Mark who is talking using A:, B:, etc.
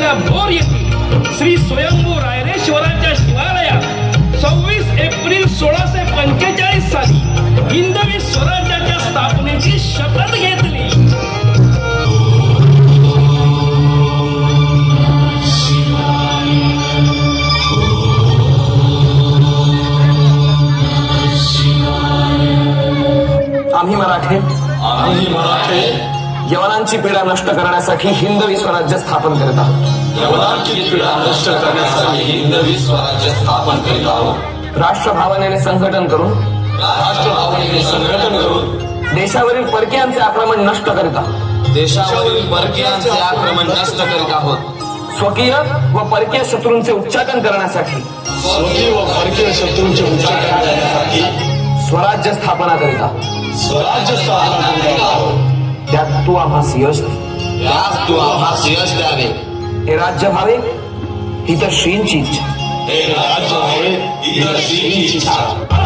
A: तालुक्याच्या भोर येथे श्री स्वयंभू रायरेश्वराच्या शिवालयात 26 एप्रिल 1645 साली हिंदवी स्वराज्याच्या स्थापनेची शपथ घेतली.
B: आम्ही मराठे यवनांची पीडा नष्ट करण्यासाठी हिंदवी स्वराज्य स्थापन करीत आहोत. राष्ट्रभावनेने संघटन करून देशावरील परकीयांचे आक्रमण नष्ट करीत आहोत. स्वकीय व परकीय शत्रूंचे उच्चाटन करण्यासाठी स्वराज्य स्थापना करीत आहोत. त्यात तू आम्हास यश द्यावे. हे राज्य व्हावे ही तर श्रींची इच्छा.